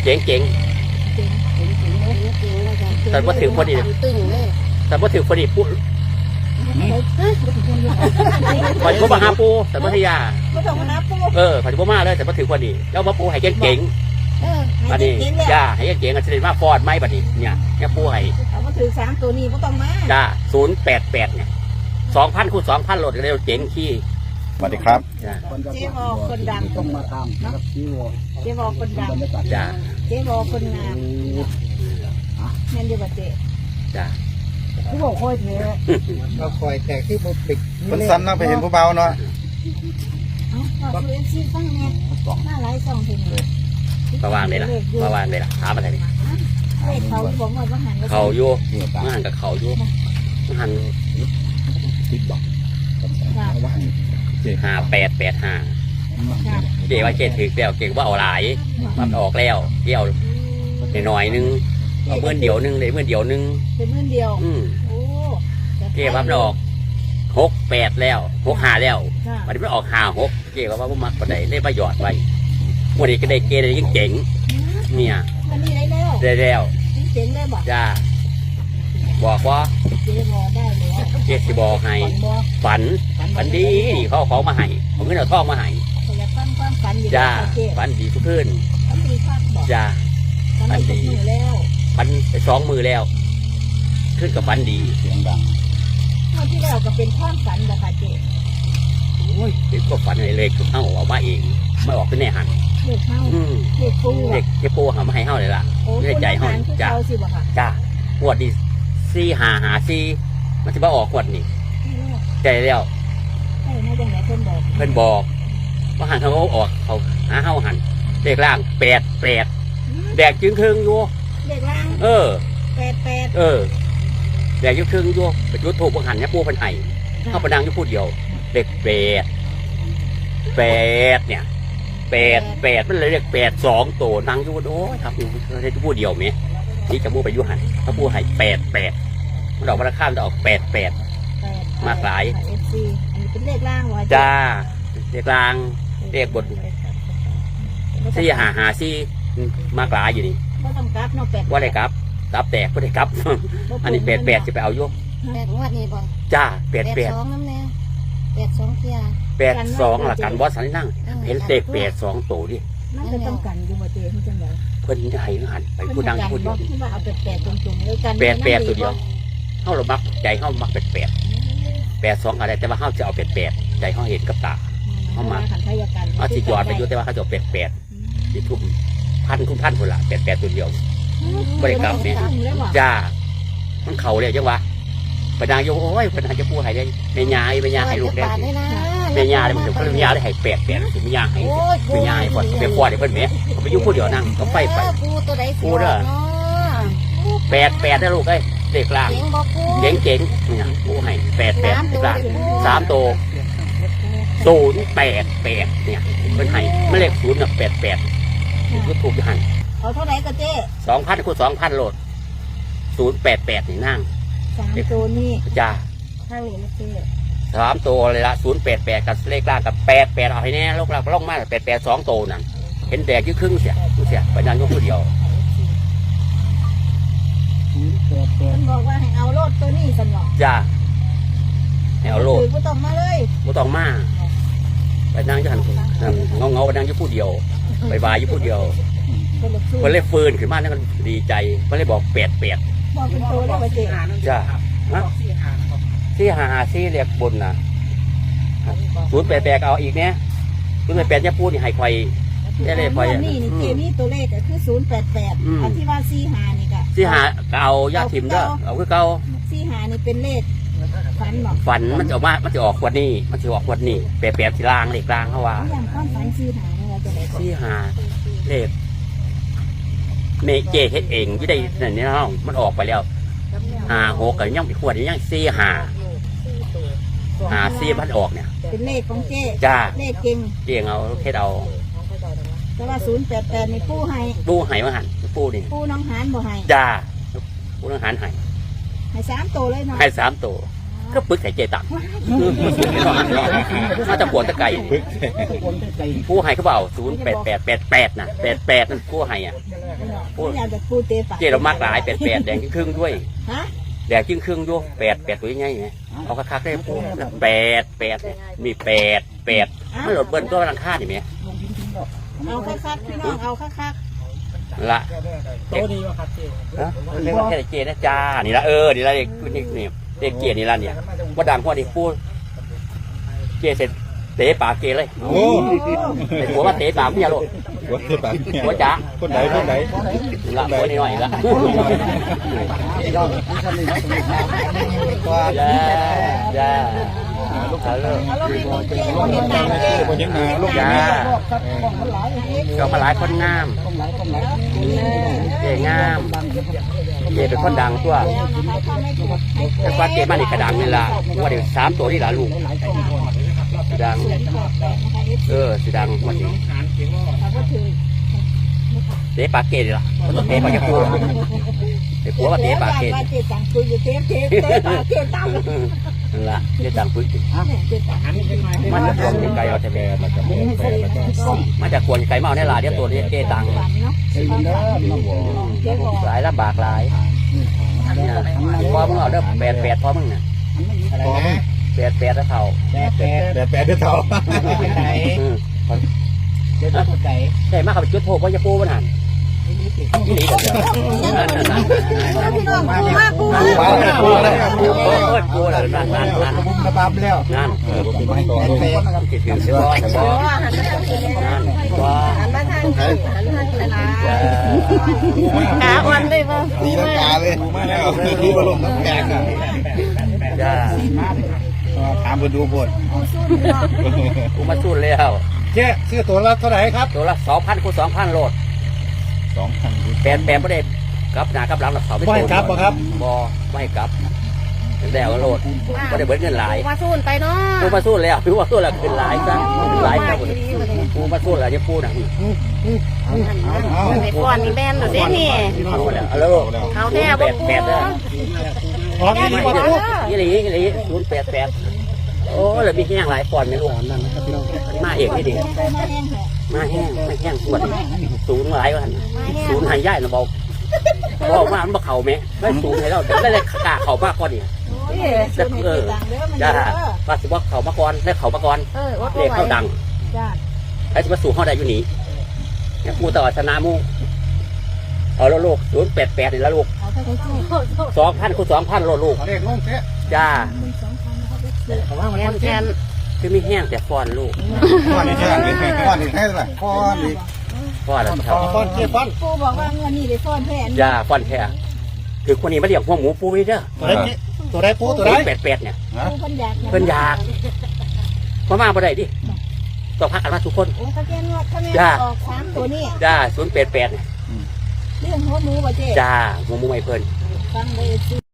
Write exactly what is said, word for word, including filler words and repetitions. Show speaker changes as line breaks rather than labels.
เจ๋งเจ๋งแต่ว่าถือพอดีแต่ว่าถือพอดีปุ๊บขอจะมาหาปูแต่พัทยาเออขอจะมาเลยแต่ว่าถือพอดีแล้วมาปูให้เจ๋งเจ๋งบัดนี้จ้าให้เจ๋งกันเสด็จมาฟอดไหมบัดนี้เนี่ยเนี่ยปูให้
เอามาถือสามตัวนี้ก็ต้องมา
จ้าศูนย์แปดแปดเนี่ยสองพันคูณสองพันโหลดกันเร็วเจ๋งขี้
สวัสดีครับ
เจ๊วอคนดังต้องมาตามเนาะเจ๊วอคนดัง
จ้า
เจ๊วอคนงามแม่นดีกว่าเจ๊
จ้า
ผู้บอกคอยเท
เราคอยแตกที่บุปิก
คนสั้นเนาะไปเห็นผู้เบาเนาะ
ก็คือเอ็นซีฟังเนี่ยหน้าไร้สองทีเลย
มาวางเลยล่ะมาวางเลยล่ะถามอะไรนี่
เขาบอกว่าหัน
เขาโย่มาหันกับเขาโย่มาหันติดบอกห้าแปดแปดห้าเจ๊ว่าเจ๊ถือแล้วเก่งว่าเอาหลายมันออกแล้วเกี่ยวหน่อยนึงเอาเมื่อเดียวนึงเลยเมื่อเดียวนึง
เป็นเมื่อเดียว
อืมเจ๊ว่ามันออกหกแปดแล้วหกห้าแล้วมันไม่ออกห้าหกเจ๊ว่าว่ามักกว่าใดได้ประโยชน์ไว้วันนี้ก็ได้เกได้ยิ่งเจ๋งเนี่ย
ได้แล้ว
ได้แล้ว
เจ๋งได้บอก
จ้าบอกว่า
เจ๊บอกได้แล้ว
เจ๊สิบอกให้ฝันฝันดีเขาเขามาให้ผมก็เอาท่องมาให้จ้าฝันดีทุกคืนจ้าฝันดีฝันไปสองมือแล้วขึ้นกับฝันดี
เสียงดัง
เมื่อที่แล้วก็เป็นความฝันแบบเจ๊
โอ้ยเป็นก็ฝันเลยเลยคือเข้าออกมาเองไม่ออกเป็นแน่หัน
เด็กเข้าเด็กปู
เด็กเด็กปูหามาให้เข้าเลยล่ะไม่ได้ใจเข้าจ้าจ้าขวดดีซีหาหาซีมันจะมาออกขวดนี่ใจแล้ว
เพื่อนบอก
เพื่อนบอกว่าหันเขาออกเขาหาเข้าหันเด็กล่างแปดแปดแดกจึงครึ่งอยู่
เด็กล่าง
เออ
แปดแปด
เออแดกจึงครึ่งอยู่ไปจุดถูกบังหันเนี่ยปูเป็นไห้เข้าประดังอยู่พูดเดียวเด็กแปดแปดเนี่ยแปดแปดมันเลยเรียกแปดสองตัวนั่งอยู่โอ้ยครับอยู่ได้พูดเดียวไหมนี่จะพูดไปยุหันถ้าพูดไห้แปดแปดมันออกมาข้ามจะออกแปดแปดมากหลาย
อันนี้เป็นเลขล่างวะ
จ้าเลขล่างเลขบนซี่หาหาซี่มากหลายอยู่นี่
ว่าต้องกลับเนาะแปด
ว่าได้กลับกลับแตกก็ได้กลับอันนี้แปดแปดจะไปเอายก
แปดงวดนี่บ่
จ้าแปดแปด
สองน้ำแน่แปดสองเทีย
แปดสองหลักการบอสสันนั่งเห็นเลขแปดสองตัวดิ
มันจะต้องกันอยู่บ่เจ๊ที่จังได
เพิ่นจะให้หันไปพูดดังพูดเดียว
ว่าเอาแปดแปดตรงๆเลยกัน
แปดแปดตัวเดียวเข้าเรามักใจเข้ามักแปดแปดแปดสองอะไรแต่ว่าเข้าจะเอาแปดแปดใจเข้าเห็นกับตาเข้ามาเอาสิยอดไปยุ่แต่ว่าเขาจะแปดแปดที่ทุ่มพันคุ้มพันคนละแปดแปดตัวเดียวบริกรรมเนี่ยจ้ามันเข่าเลยจังวะประดางโยโอ้ยประดางจะพูดให้ได้ในยาในยาให้ลูกได้ในยาเลยมันถึงเขาเรียกยาได้ให้แปดแปดถึงยาให้ในยาให้พอไปฟอดให้เพิ่นเมียเขาไปยุ่งพูดเดียวนั่งเขาไฟไปพูดเด้อแปดแปดได้ลูกเอ้ยเด็กล่างเจ๋งเจ๋งเนี่ยพูดให้แปดแปดเด็กล่างสามตัวศูนย์แปดแปดเนี่ยเป็นไห้ไม่เลขศูนย์กับแปดแปดก็ถูกหัน
เอาเท่าไหร่ก็เจ๊
สองพันคูณสองพันโหลดศูนย์แปดแปดนี่นั่ง
สามตัวนี่
จ้า
ข้างนี้นะเจ๊
สามตัวเลยละศูนย์แปดแปดกับเลขล่างกับแปดแปดเอาให้แน่ลูกเราล่องมากแปดแปดสองตัวนั่นเห็นแดกยี่ครึ่งเสียเสียไปนั่งยกคนเดียว
มันบอกว่าให้เอาโลดตัวนี้สำหรับ
จ้าให้เอาโลด
ไม่ต้องมาเลย
ไม่ต้องมาไปนั่งยี่หันเงาเงาไปนั่งยี่พูดเดียวไปวายยี่พูดเดียวคนเล่ฟืนขึ้นมาเนี่ยมันดีใจคนเล่บอกแปดแปด
บอกเป็นตัวแล้วไปเจ๊
จ้าที่หาหาซี่เรียกบนนะศูนย์แปดแปดเอาอีกเนี้ยศูนย์แปดแปดยี่พูดนี่ให้ไฟได้เลยไฟ
นี่นี่เจนี่ตัวเลขก็คือศูนย์แปดแปดอันที่ว่าซี่หานี่ก็
ซี่หาเอายาทิมด้วยเอาคือเก่า
ซี่หานี่เป็นเลขฝันบอก
ฝันมันจะออกมามันจะออกขวดนี่มันจะออกขวดนี่แปดแปดสีล่างเลขล่างเขาว่า
อย่างข้อฝันซี่หาเนี่ยจะได้
ซี่หาเลขเมเจเฮ็ดเองที่ได้นั่นนี่น้องมันออกไปแล้วหาหกกับย่างไปขวดนี่ย่างซี่หาหาซี่มันออกเนี่ย
เป็นเลขของเจ๊
จ้า
เลขเก่ง
เก่งเอาเฮ็ดเอา
แต่ว่าศูนย์แปดแปดนี่ปู้ให้
ปู้ให้มาหันปู้นี่
ปู้น้องหานบ่ให้
จ้าปู้น้องหานให้
ให้สามตัวเลยเนาะ
ให้สามตัวก็ปึกใส่เจตังน่าจะปวดตะไก่ผู้ให้เขาเปล่าศูนย์แปดแปดแปดแปดนะแปดแปดนั่นผู้ให้อ่ะ
ผู้อยากจะปูเตะปาก
เจเรามากหลายแปดแปดแดงครึ่งด้วย
ฮะ
แดงครึ่งด้วยแปดแปดตัวยังไงไงเอาคักๆได้ผู้แปดแปดมีแปดแปดไม่หลดเบิ้ลตัวรังค่าดิเมีย
เอาคักๆพี่น้องเอาคัก
ละโตดีวะครับเจเรียกว่าแค่เจนะจ้านี่ละเออนี่ละเด็กนี่นี่เด็กเกียร์นี่ละเนี่ยว่าดังพอดีพูดเจเสร็จเตะปากเกเลย
โอ้
ไอ้หัวมาเตะปากพี่ยาโล
หัวที่ปาก
หัวจ๋า
คนไหนคนไหน
ละหัวนิดหน่อยละ
ว่า
จ้าจ้าลูกสาวเลิก
ๆเอาเรามีคนเจ๊คนเห็นดังเจ๊
คนยังมาลูก
จ้า
มันหลายอย่างนี้
ก็มาหลายคนงามเจงามเจเป็นคนดังตัว
แล้วนะคะถ้าไม่ถูกให้
แต่ว่าเจมาในกระดังนี่ละว่าเดี๋ยวสามตัวนี่ละลูกดัง เออสีดังมาสิ
ถ้าก็ถือ
เตะปากเกดล่ะมันต้องเตะปากยาคูไอ้ผัวว่าเตะปากเกด
ว่าเจ๊ตังคุยอยู่เตะเตะเตะปากเจ๊ตัง
นั่นละเจ๊ตังพึ่ง
เจ๊ตัง
มันจะควงไก่เอาแต่แม่มาจากมาจากควงไก่เมาในลาเดียวตัวนี้เจ๊ตัง
เจ๊บอก
หลายลำบากหลายพอมึงเอาเด้อแปดแปดพอมึงน่ะ
อะไรนะ
แปดแปดแล้วเท่า
แปดแปด
แต่แปดเดือดเท่า
ไหนเดี๋ยวจะไหน
ใช่มาขับจุดโพเพราะจะปูมันหันนี่หลีเดี๋ยวนั่นนั่นนั่น
พี่น้องปูมาปู
ปูมาแล้วปูแล้วปู
โอ้ยปูเลยนั่นนั่นนั่น
บุ้มระบำแล้ว
นั่น
เออผมเป็นต่อ
แป
ลูก
ดแปด
คิดถึงสิบ่บ่นั่นบ่
หันมาทางหันมาทางเลยนะ
ขาอ่อนเลยป่ะ
ตีลังกาเลยปูมาแล้วตีบอลลมน้ำแข็งอ่ะ
จ้า
ถามไปดูบท
กูมาสู้แล้ว
เจ๊ซื้อตัวละเท่าไหร่ครับ
ตัวละสองพันคูณสองพันโลด
สองพัน
แปดแปดไม่ได้กลับหน้ากลับหลังหลับเขาไม่
ไม่ให้กลับบ่ครับ
บ่ไม่กลับแล้วก็โลดไม่ได้เบิดเงินหลาย
มาสู้ไปเนาะ
กูมาสู้แล้วพี่ว่าสู้แล้วขึ้นหลายจ้ะหลายจ้ะกูมาสู้แล้วจะพูดนะ
ไอ้ก้อนนี่แบนหรือเด้นี่
เอาแล้วเอาแล้ว
เขาแท้
แป
บ่
ด
ปู
แปดเลย
ออกดีกว่าลูก
ยี่หลียี่หลีศูนย์แปดแปดโอ้แล้วมีแห้งหลายก่อนไหมลูกมาเอกนี่ดิมาแห้งไม่แห้งส่วนศูนย์หลายวันศูนย์หายย่ายนะบอกบอกว่ามันบ่เข่าไหมไม่ศูนย์ให้เราได้เลยกาเข่ามากกว่านี่จะเออจ้าว่าสิว่าเข่ามาก่อนได้เข่ามาก่อน
เออว่า
เรียกเข้าดัง
จ้า
ไอ้สิว่าสู่เข้าได้อยู่นี่เนี่ยกูต่อชนะมูเอาแล้วลูกศูนย์แปดแปดนี่แล้วลูก
เอาเท่าไหร่
สองพันคูณสองพันโลดลูก
เด็กลงเจ๊
จ้า
เขาว่ามัน
แทนแทน
คือไม่แห้งแต่ฟอนลูก
ก้อนอีกแค่ก้อนอีกแค่ไหนก้อนอีก
ฟอนแล้วครับ
ฟอนเจ๊ฟอน
ปูบอกว่าเงินนี่ไปซ่อนแผน
จ้าฟอนแค่คือคนนี้มาเลี้ยงพวกหมูปูนี่เด้อ
ตัวไหนเจ๊ตัวไหนปูตัวไหน
แปดแปดเนี่ย
ปูเพิ่นอยาก
เพิ่นอยากมามาบ่ได้ดิต้องพักกันมาทุกคน
โอ้ถ้าแกนวดถ้าแม่
จ้า
ออกสามตัวนี่
จ้าศูนย์แปดแปดเนี่ย
เรื่องหัวหมูบ่เจ๊
จ้าหมูหมูไม่เพิ่น
ฟังเลยสิ